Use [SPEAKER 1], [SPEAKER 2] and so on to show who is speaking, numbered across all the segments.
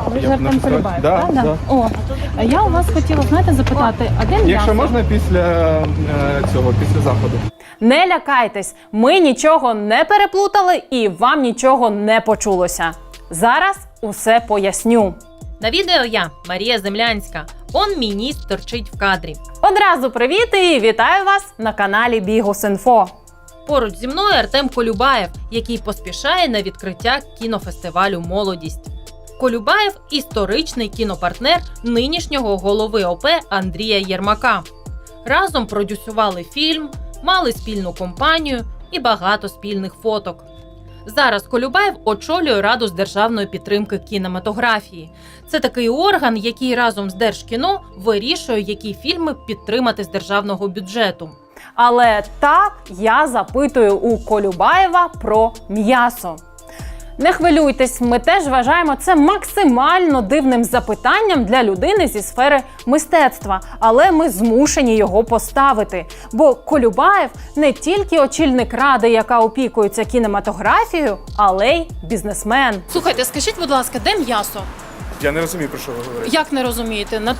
[SPEAKER 1] Ви ж Артем Колюбаєв,
[SPEAKER 2] Да,
[SPEAKER 1] правда?
[SPEAKER 2] да.
[SPEAKER 1] О, а я у вас хотіла, знаєте, запитати, а де м'ясо?
[SPEAKER 2] Якщо можна, після заходу.
[SPEAKER 3] Не лякайтесь, ми нічого не переплутали і вам нічого не почулося. Зараз усе поясню.
[SPEAKER 4] На відео я, Марія Землянська. Он мій ніс торчить в кадрі.
[SPEAKER 3] Одразу привіт і вітаю вас на каналі Bihus.info.
[SPEAKER 4] Поруч зі мною Артем Колюбаєв, який поспішає на відкриття кінофестивалю «Молодість». Колюбаєв – історичний кінопартнер нинішнього голови ОП Андрія Єрмака. Разом продюсували фільм, мали спільну компанію і багато спільних фоток. Зараз Колюбаєв очолює Раду з державної підтримки кінематографії. Це такий орган, який разом з Держкіно вирішує, які фільми підтримати з державного бюджету.
[SPEAKER 3] Але так я запитую у Колюбаєва про м'ясо. Не хвилюйтесь, ми теж вважаємо це максимально дивним запитанням для людини зі сфери мистецтва, але ми змушені його поставити. Бо Колюбаєв не тільки очільник ради, яка опікується кінематографією, але й бізнесмен.
[SPEAKER 1] Слухайте, скажіть, будь ласка, де м'ясо?
[SPEAKER 2] Я не розумію, про що ви говорите.
[SPEAKER 1] Як не розумієте? На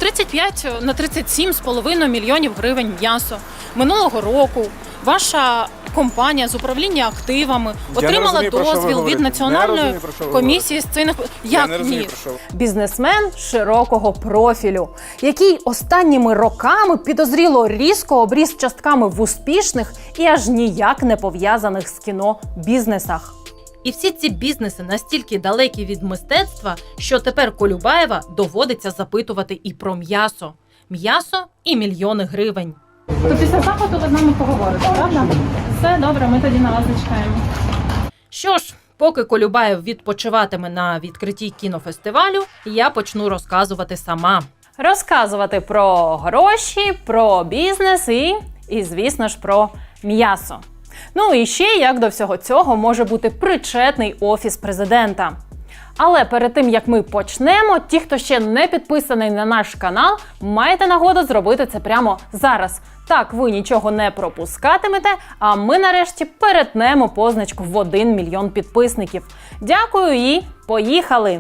[SPEAKER 1] 37,5 мільйонів гривень м'ясо. Минулого року ваша компанія з управління активами отримала
[SPEAKER 2] розумію, про що ви
[SPEAKER 1] дозвіл від
[SPEAKER 2] говорите. Не
[SPEAKER 1] Національної
[SPEAKER 2] розумію, про що ви
[SPEAKER 1] комісії з цінних...
[SPEAKER 2] Я не
[SPEAKER 1] Як
[SPEAKER 2] розумію,
[SPEAKER 1] ні?
[SPEAKER 2] про що ви.
[SPEAKER 3] Бізнесмен широкого профілю, який останніми роками підозріло різко обріс частками в успішних і аж ніяк не пов'язаних з кіно бізнесах.
[SPEAKER 4] І всі ці бізнеси настільки далекі від мистецтва, що тепер Колюбаєва доводиться запитувати і про м'ясо. М'ясо і мільйони гривень.
[SPEAKER 1] То після заходу ви з нами поговорите, правда? Все добре, ми тоді на вас зачекаємо.
[SPEAKER 4] Що ж, поки Колюбаєв відпочиватиме на відкритті кінофестивалю, я почну розказувати сама.
[SPEAKER 3] Розказувати про гроші, про бізнес і звісно ж, про м'ясо. Ну і ще, як до всього цього, може бути причетний Офіс президента. Але перед тим, як ми почнемо, ті, хто ще не підписаний на наш канал, маєте нагоду зробити це прямо зараз. Так ви нічого не пропускатимете, а ми нарешті перетнемо позначку в 1 мільйон підписників. Дякую і поїхали!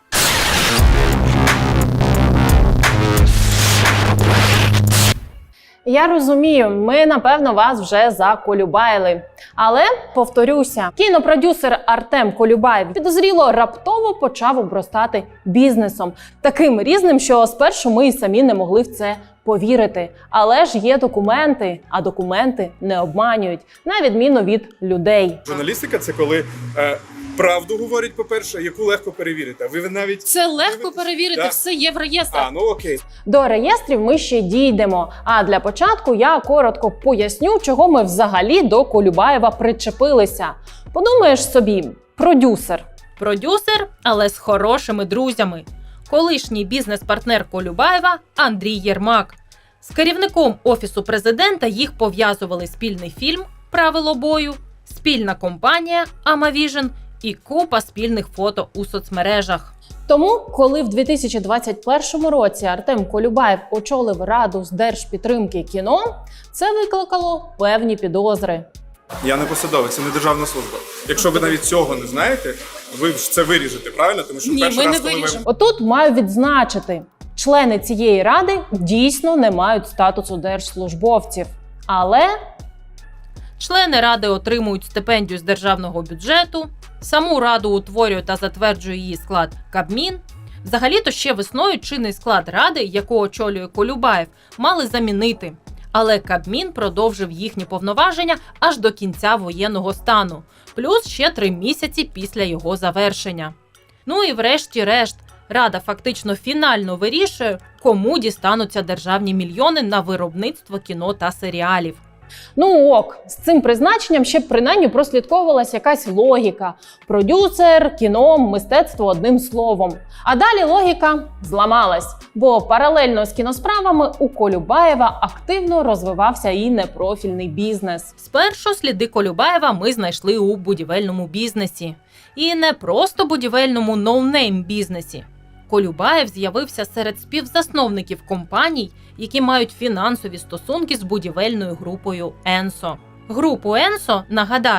[SPEAKER 3] Я розумію, ми, напевно, вас вже заколюбайли. Але, повторюся, кінопродюсер Артем Колюбаєв підозріло раптово почав обростати бізнесом. Таким різним, що спершу ми і самі не могли в це повірити. Але ж є документи, а документи не обманюють, на відміну від людей.
[SPEAKER 2] Журналістика – це коли правду говорять, по-перше, яку легко перевірити. Ви навіть...
[SPEAKER 1] Це легко перевірити,
[SPEAKER 2] Да.
[SPEAKER 1] все є в реєстрах.
[SPEAKER 2] Ну окей.
[SPEAKER 3] До реєстрів ми ще дійдемо. А для початку я коротко поясню, чого ми взагалі до Колюбаєва причепилися. Подумаєш собі, продюсер.
[SPEAKER 4] Продюсер, але з хорошими друзями. Колишній бізнес-партнер Колюбаєва Андрій Єрмак. З керівником Офісу президента їх пов'язували спільний фільм «Правило бою», спільна компанія «Амавіжн» і купа спільних фото у соцмережах.
[SPEAKER 3] Тому, коли в 2021 році Артем Колюбаєв очолив Раду з держпідтримки кіно, це викликало певні підозри.
[SPEAKER 2] Я не посадовець, це не державна служба. Якщо ви навіть цього не знаєте, ви ж це виріжете, правильно? Тому що
[SPEAKER 1] Ні,
[SPEAKER 2] перший
[SPEAKER 1] ми
[SPEAKER 2] раз,
[SPEAKER 1] не
[SPEAKER 2] коли ви...
[SPEAKER 1] виріжемо.
[SPEAKER 3] Отут маю відзначити, члени цієї ради дійсно не мають статусу держслужбовців. Але
[SPEAKER 4] Члени ради отримують стипендію з державного бюджету, саму раду утворює та затверджує її склад Кабмін. Взагалі-то ще весною чинний склад ради, яку очолює Колюбаєв, мали замінити. Але Кабмін продовжив їхні повноваження аж до кінця воєнного стану, плюс ще 3 місяці після його завершення. Ну і врешті-решт, Рада фактично фінально вирішує, кому дістануться державні мільйони на виробництво кіно та серіалів.
[SPEAKER 3] ну ок, з цим призначенням ще принаймні прослідковувалась якась логіка. Продюсер, кіно, мистецтво одним словом. А далі логіка зламалась, бо паралельно з кіносправами у Колюбаєва активно розвивався і непрофільний бізнес.
[SPEAKER 4] Спершу сліди Колюбаєва ми знайшли у будівельному бізнесі. І не просто будівельному ноунейм бізнесі. Колюбаєв з'явився серед співзасновників компаній, які мають фінансові стосунки з будівельною групою «Енсо». Групу «Енсо», нагадаю,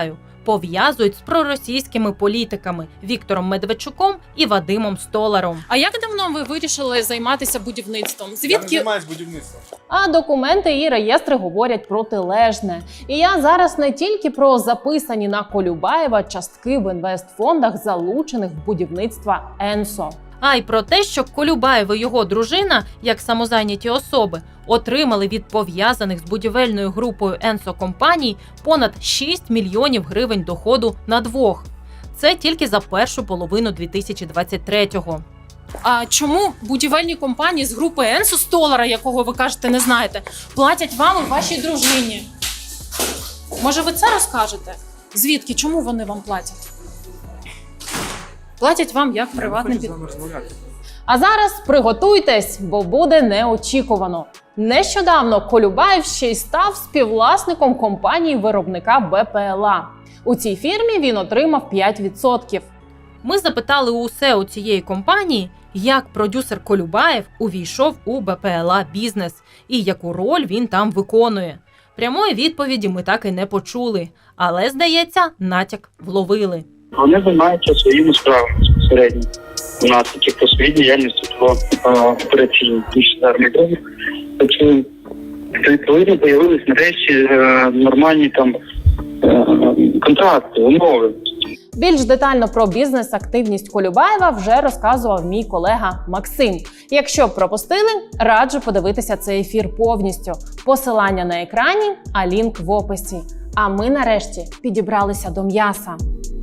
[SPEAKER 4] пов'язують з проросійськими політиками Віктором Медведчуком і Вадимом Столаром.
[SPEAKER 1] А як давно ви вирішили займатися будівництвом?
[SPEAKER 2] Я не
[SPEAKER 1] Звідки
[SPEAKER 2] займаюсь будівництвом.
[SPEAKER 3] А документи і реєстри говорять протилежне. І я зараз не тільки про записані на Колюбаєва частки в інвестфондах, залучених в будівництво Енсо.
[SPEAKER 4] А й про те, що Колюбаєв і його дружина, як самозайняті особи, отримали від пов'язаних з будівельною групою Енсо компаній понад 6 мільйонів гривень доходу на двох. Це тільки за першу половину 2023-го.
[SPEAKER 1] А чому будівельні компанії з групи Енсо Столара, якого ви кажете, не знаєте, платять вам і вашій дружині? Може, ви це розкажете? Звідки? Чому вони вам платять? Платять вам як приватним підприємствам.
[SPEAKER 3] А зараз приготуйтесь, бо буде неочікувано. Нещодавно Колюбаєв ще й став співвласником компанії-виробника БПЛА. У цій фірмі він отримав 5%.
[SPEAKER 4] Ми запитали у СЕО цієї компанії, як продюсер Колюбаєв увійшов у БПЛА бізнес і яку роль він там виконує. Прямої відповіді ми так і не почули, але, здається, натяк вловили.
[SPEAKER 5] Вони займаються своїми справами безпосередньо. У нас такі по своїй діяльності по операційній армії дрони. Тобто, відповідно, з'явились нарешті нормальні там контракти, умови.
[SPEAKER 3] Більш детально про бізнес-активність Колюбаєва вже розказував мій колега Максим. Якщо пропустили, раджу подивитися цей ефір повністю. Посилання на екрані, а лінк в описі. А ми нарешті підібралися до м'яса.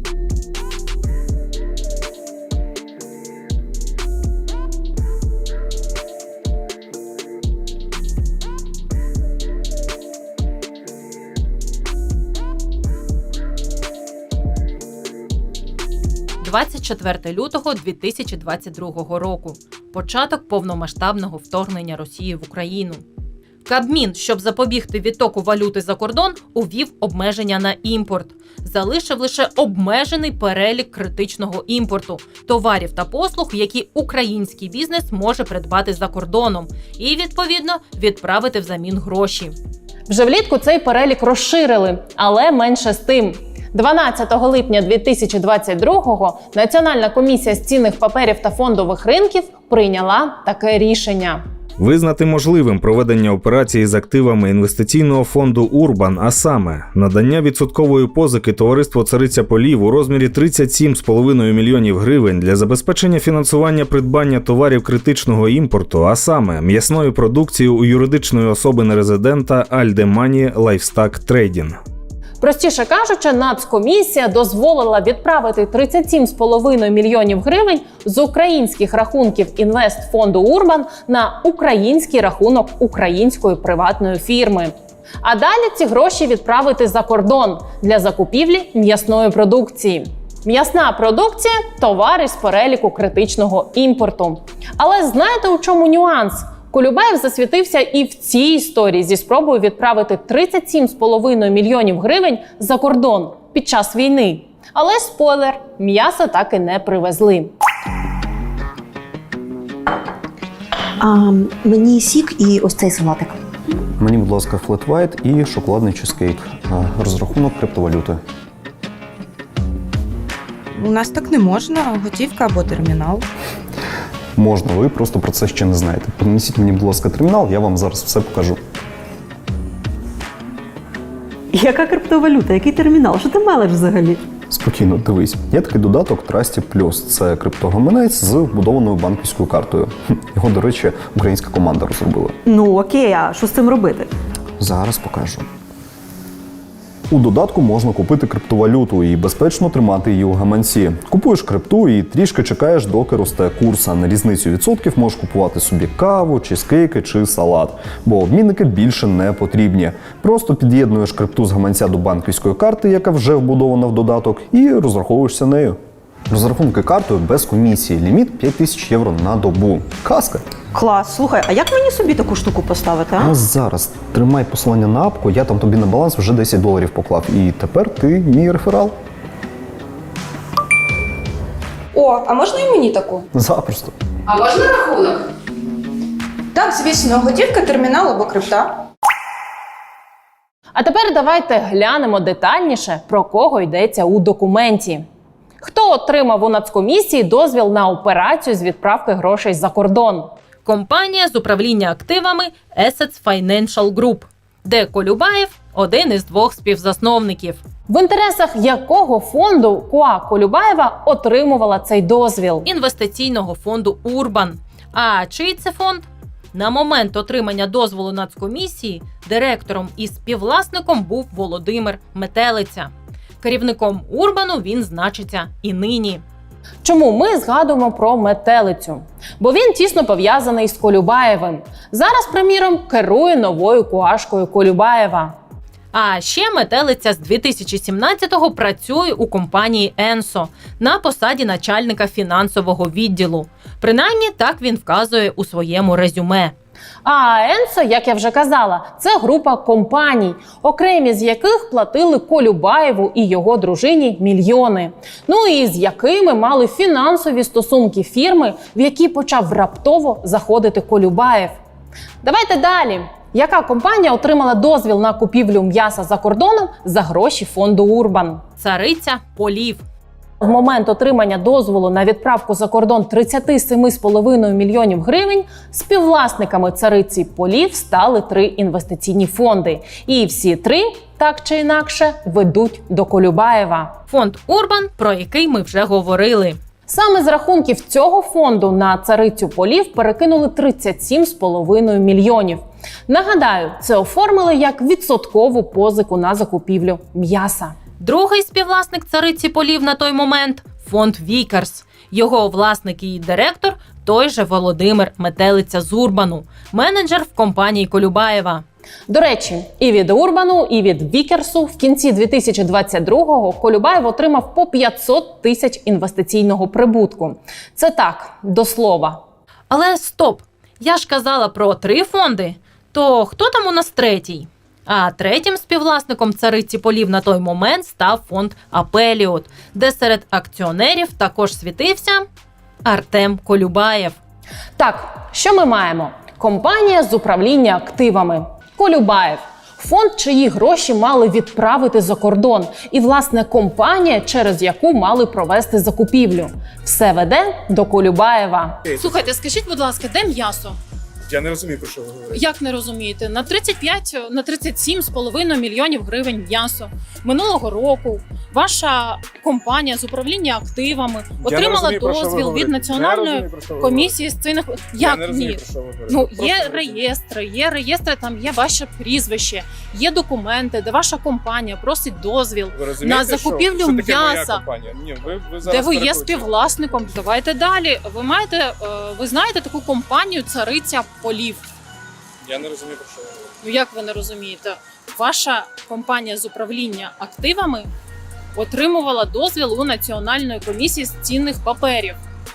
[SPEAKER 4] – 24 лютого 2022 року. Початок повномасштабного вторгнення Росії в Україну. Кабмін, щоб запобігти відтоку валюти за кордон, увів обмеження на імпорт. Залишив лише обмежений перелік критичного імпорту – товарів та послуг, які український бізнес може придбати за кордоном і, відповідно, відправити взамін гроші.
[SPEAKER 3] Вже влітку цей перелік розширили, але менше з тим. 12 липня 2022-го Національна комісія з цінних паперів та фондових ринків прийняла таке рішення.
[SPEAKER 6] Визнати можливим проведення операції з активами інвестиційного фонду «Урбан», а саме надання відсоткової позики товариству «Цариця полів» у розмірі 37,5 мільйонів гривень для забезпечення фінансування придбання товарів критичного імпорту, а саме м'ясної продукції у юридичної особи нерезидента Альдемані Лайфстак Трейдінг.
[SPEAKER 3] Простіше кажучи, Нацкомісія дозволила відправити 37,5 мільйонів гривень з українських рахунків інвестфонду «Урбан» на український рахунок української приватної фірми. А далі ці гроші відправити за кордон для закупівлі м'ясної продукції. М'ясна продукція – товари з переліку критичного імпорту. Але знаєте, у чому нюанс? Колюбаєв засвітився і в цій історії зі спробою відправити 37,5 мільйонів гривень за кордон під час війни. Але спойлер – м'яса так і не привезли.
[SPEAKER 7] Мені сік і ось цей салатик.
[SPEAKER 8] Мені, будь ласка, флет вайт і шоколадний чизкейк. Розрахунок криптовалюти.
[SPEAKER 9] У нас так не можна, готівка або термінал.
[SPEAKER 8] Можна, ви просто про це ще не знаєте. Принесіть мені, будь ласка, термінал, я вам зараз все покажу.
[SPEAKER 7] Яка криптовалюта? Який термінал? Що ти мелеш взагалі?
[SPEAKER 8] Спокійно, дивись. Є такий додаток Trusty Plus. Це криптогаманець з вбудованою банківською картою. Його, до речі, українська команда розробила.
[SPEAKER 7] Ну окей, а що з цим робити?
[SPEAKER 8] Зараз покажу. У додатку можна купити криптовалюту і безпечно тримати її у гаманці. Купуєш крипту і трішки чекаєш, доки росте курс, а на різницю відсотків можеш купувати собі каву, чизкейки чи салат. Бо обмінники більше не потрібні. Просто під'єднуєш крипту з гаманця до банківської карти, яка вже вбудована в додаток, і розраховуєшся нею. Розрахунки картою без комісії. Ліміт 5000 євро на добу. Казка!
[SPEAKER 7] Клас, слухай, а як мені собі таку штуку поставити, а?
[SPEAKER 8] Ось зараз тримай посилання на апку, я там тобі на баланс вже $10 поклав. І тепер ти мій реферал.
[SPEAKER 10] О, а можна і мені таку?
[SPEAKER 8] Запросто.
[SPEAKER 10] А можна рахунок? Так, звісно, готівка, термінал або крипта.
[SPEAKER 3] А тепер давайте глянемо детальніше, про кого йдеться у документі. Хто отримав у Нацкомісії дозвіл на операцію з відправки грошей за кордон?
[SPEAKER 4] Компанія з управління активами Assets Financial Group, де Колюбаєв – один із двох співзасновників.
[SPEAKER 3] В інтересах якого фонду КУА Колюбаєва отримувала цей дозвіл?
[SPEAKER 4] Інвестиційного фонду «Урбан». А чий це фонд? На момент отримання дозволу Нацкомісії директором і співвласником був Володимир Метелиця. Керівником «Урбану» він значиться і нині.
[SPEAKER 3] Чому ми згадуємо про Метелицю? Бо він тісно пов'язаний з Колюбаєвим. Зараз, приміром, керує новою КУАшкою Колюбаєва.
[SPEAKER 4] А ще Метелиця з 2017-го працює у компанії «Енсо» на посаді начальника фінансового відділу. Принаймні, так він вказує у своєму резюме.
[SPEAKER 3] А Енсо, як я вже казала, це група компаній, окремі з яких платили Колюбаєву і його дружині мільйони. Ну і з якими мали фінансові стосунки фірми, в які почав раптово заходити Колюбаєв. Давайте далі. Яка компанія отримала дозвіл на купівлю м'яса за кордоном за гроші фонду «Урбан»?
[SPEAKER 4] Цариця полів.
[SPEAKER 3] В момент отримання дозволу на відправку за кордон 37,5 мільйонів гривень співвласниками цариці полів стали 3 інвестиційні фонди. І всі 3, так чи інакше, ведуть до Колюбаєва.
[SPEAKER 4] Фонд «Урбан», про який ми вже говорили.
[SPEAKER 3] Саме з рахунків цього фонду на царицю полів перекинули 37,5 мільйонів. Нагадаю, це оформили як відсоткову позику на закупівлю м'яса.
[SPEAKER 4] Другий співвласник цариці полів на той момент – фонд «Вікерс». Його власник і директор – той же Володимир Метелиця з «Урбану», менеджер в компанії Колюбаєва.
[SPEAKER 3] До речі, і від «Урбану», і від «Вікерсу» в кінці 2022-го Колюбаєв отримав по 500 тисяч інвестиційного прибутку. Це так, до слова.
[SPEAKER 4] Але стоп! Я ж казала про 3 фонди. То хто там у нас третій? А третім співвласником цариці полів на той момент став фонд «Апеліот», де серед акціонерів також світився Артем Колюбаєв.
[SPEAKER 3] Так, що ми маємо? Компанія з управління активами. Колюбаєв. Фонд, чиї гроші мали відправити за кордон. І, власне, компанія, через яку мали провести закупівлю. Все веде до Колюбаєва.
[SPEAKER 1] Слухайте, скажіть, будь ласка, де м'ясо?
[SPEAKER 2] Я не розумію, про що ви говорите.
[SPEAKER 1] Як не розумієте? На 37,5 мільйонів гривень м'ясо. Минулого року ваша компанія з управління активами отримала дозвіл від Національної комісії з цінних...
[SPEAKER 2] Я не
[SPEAKER 1] Як
[SPEAKER 2] розумію,
[SPEAKER 1] ні?
[SPEAKER 2] про що ви говорите.
[SPEAKER 1] Ну,
[SPEAKER 2] Просто
[SPEAKER 1] є реєстри, там є ваше прізвище, є документи, де ваша компанія просить дозвіл
[SPEAKER 2] Ви розумієте,
[SPEAKER 1] на закупівлю
[SPEAKER 2] що таке моя
[SPEAKER 1] м'яса.
[SPEAKER 2] компанія? Ні, ви зараз
[SPEAKER 1] Де ви є
[SPEAKER 2] перекручуєте.
[SPEAKER 1] співвласником? Давайте далі. Ви знаєте таку компанію «Цариця полів».
[SPEAKER 2] Я не розумію, про що ви говорите.
[SPEAKER 1] Ну як ви не розумієте? Ваша компанія з управління активами отримувала дозвіл у Національної комісії з цінних паперів.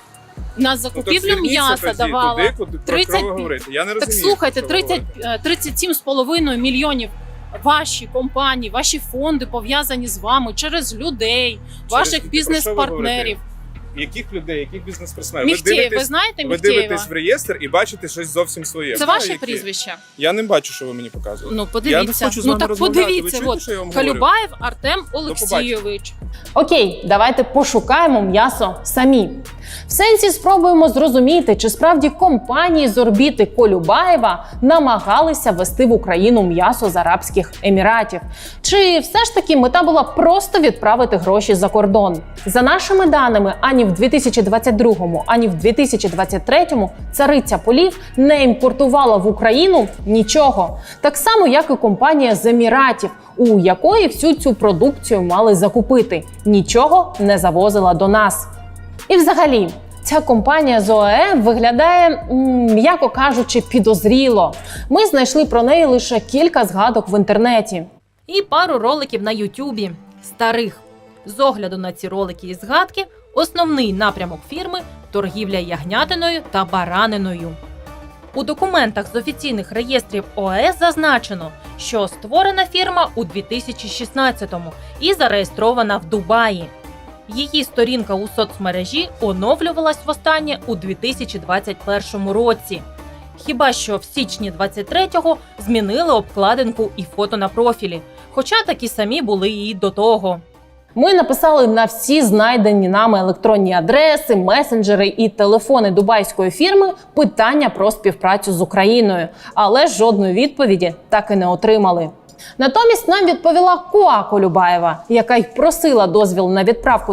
[SPEAKER 1] На закупівлю м'яса давала 30...
[SPEAKER 2] Я не розумію.
[SPEAKER 1] Так слухайте,
[SPEAKER 2] про що ви говорите.
[SPEAKER 1] 37,5 мільйонів ваші компанії, ваші фонди пов'язані з вами через людей, ваших
[SPEAKER 2] про
[SPEAKER 1] бізнес-партнерів.
[SPEAKER 2] Яких людей, яких бізнес-персонажів?
[SPEAKER 1] Міхтєєв, ви знаєте
[SPEAKER 2] Ви
[SPEAKER 1] Міхтєєва?
[SPEAKER 2] дивитесь в реєстр і бачите щось зовсім своє.
[SPEAKER 1] Це
[SPEAKER 2] Знаю,
[SPEAKER 1] ваше
[SPEAKER 2] які.
[SPEAKER 1] прізвище?
[SPEAKER 2] Я не бачу, що ви мені показуєте.
[SPEAKER 1] Ну, подивіться.
[SPEAKER 2] Я не хочу з
[SPEAKER 1] Ну
[SPEAKER 2] вами
[SPEAKER 1] так
[SPEAKER 2] розмовляти.
[SPEAKER 1] подивіться.
[SPEAKER 2] Ви чуєте,
[SPEAKER 1] От,
[SPEAKER 2] що я вам говорю?
[SPEAKER 1] Колюбаєв Артем Олексійович.
[SPEAKER 3] Окей, давайте пошукаємо м'ясо самі. В сенсі спробуємо зрозуміти, чи справді компанії з орбіти Колюбаєва намагалися ввести в Україну м'ясо з Арабських Еміратів. Чи все ж таки мета була просто відправити гроші за кордон? За нашими даними, ані в 2022, ані в 2023 цариця полів не імпортувала в Україну нічого. Так само, як і компанія з Еміратів, у якої всю цю продукцію мали закупити. Нічого не завозила до нас. І взагалі, ця компанія з ОАЕ виглядає, м'яко кажучи, підозріло. Ми знайшли про неї лише кілька згадок в інтернеті.
[SPEAKER 4] І пару роликів на Ютубі старих. З огляду на ці ролики і згадки, основний напрямок фірми – торгівля ягнятиною та бараниною. У документах з офіційних реєстрів ОАЕ зазначено, що створена фірма у 2016-му і зареєстрована в Дубаї. Її сторінка у соцмережі оновлювалась востаннє у 2021 році. Хіба що в січні 23-го змінили обкладинку і фото на профілі, хоча такі самі були і до того.
[SPEAKER 3] Ми написали на всі знайдені нами електронні адреси, месенджери і телефони дубайської фірми питання про співпрацю з Україною, але жодної відповіді так і не отримали. Натомість нам відповіла КУА Колюбаєва, яка й просила дозвіл на відправку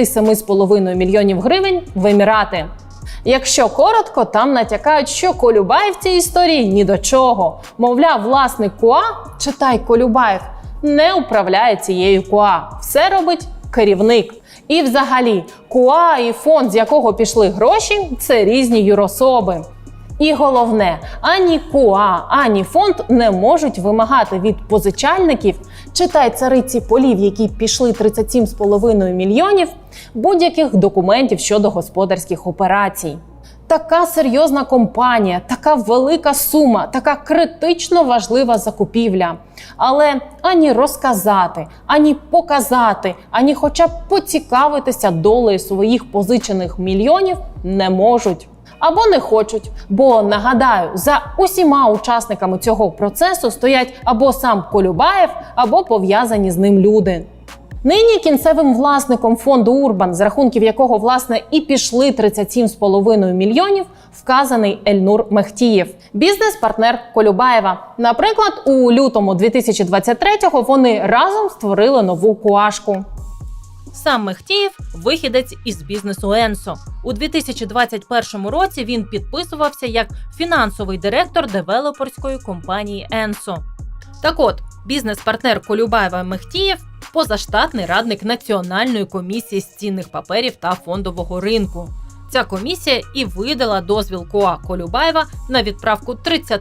[SPEAKER 3] 37,5 мільйонів гривень в Емірати. Якщо коротко, там натякають, що Колюбаєв в цій історії ні до чого. Мовляв, власник КУА, читай Колюбаєв, не управляє цією КУА. Все робить керівник. І взагалі, КУА і фонд, з якого пішли гроші, це різні юрособи. І головне, ані КУА, ані фонд не можуть вимагати від позичальників, читай цариці полів, які пішли 37,5 мільйонів, будь-яких документів щодо господарських операцій. Така серйозна компанія, така велика сума, така критично важлива закупівля. Але ані розказати, ані показати, ані хоча б поцікавитися долею своїх позичених мільйонів не можуть. Або не хочуть, бо, нагадаю, за усіма учасниками цього процесу стоять або сам Колюбаєв, або пов'язані з ним люди. Нині кінцевим власником фонду Урбан, з рахунків якого, власне, і пішли 37,5 мільйонів, вказаний Ельнур Мехтієв, бізнес-партнер Колюбаєва. Наприклад, у лютому 2023-го вони разом створили нову КУАшку.
[SPEAKER 4] Сам Мехтієв – вихідець із бізнесу Енсо. У 2021 році він підписувався як фінансовий директор девелоперської компанії Енсо. Так от, бізнес-партнер Колюбаєва Мехтієв – позаштатний радник Національної комісії з цінних паперів та фондового ринку. Ця комісія і видала дозвіл КУА Колюбаєва на відправку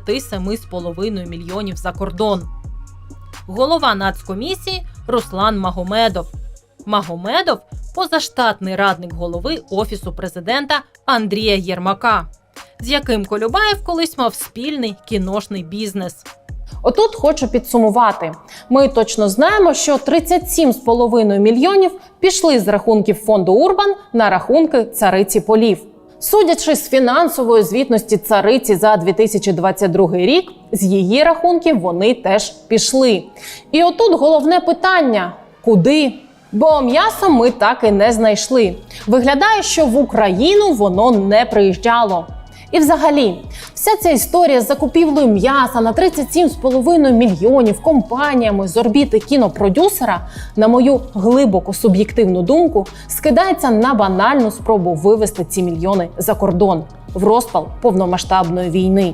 [SPEAKER 4] 37,5 мільйонів за кордон. Голова Нацкомісії – Руслан Магомедов. Магомедов – позаштатний радник голови Офісу президента Андрія Єрмака, з яким Колюбаєв колись мав спільний кіношний бізнес.
[SPEAKER 3] Отут хочу підсумувати. Ми точно знаємо, що 37,5 мільйонів пішли з рахунків фонду Урбан на рахунки цариці полів. Судячи з фінансової звітності цариці за 2022 рік, з її рахунків вони теж пішли. І отут головне питання – куди? Бо м'ясо ми так і не знайшли. Виглядає, що в Україну воно не приїжджало. І взагалі, вся ця історія з закупівлею м'яса на 37,5 мільйонів компаніями з орбіти кінопродюсера, на мою глибоко суб'єктивну думку, скидається на банальну спробу вивести ці мільйони за кордон в розпал повномасштабної війни.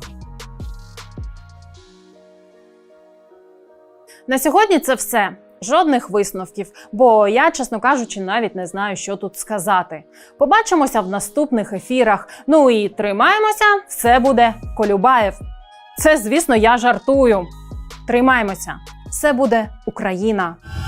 [SPEAKER 3] На сьогодні це все. Жодних висновків, бо я, чесно кажучи, навіть не знаю, що тут сказати. Побачимося в наступних ефірах. Ну і тримаємося, все буде Колюбаєв. Це, звісно, я жартую. Тримаємося, все буде Україна.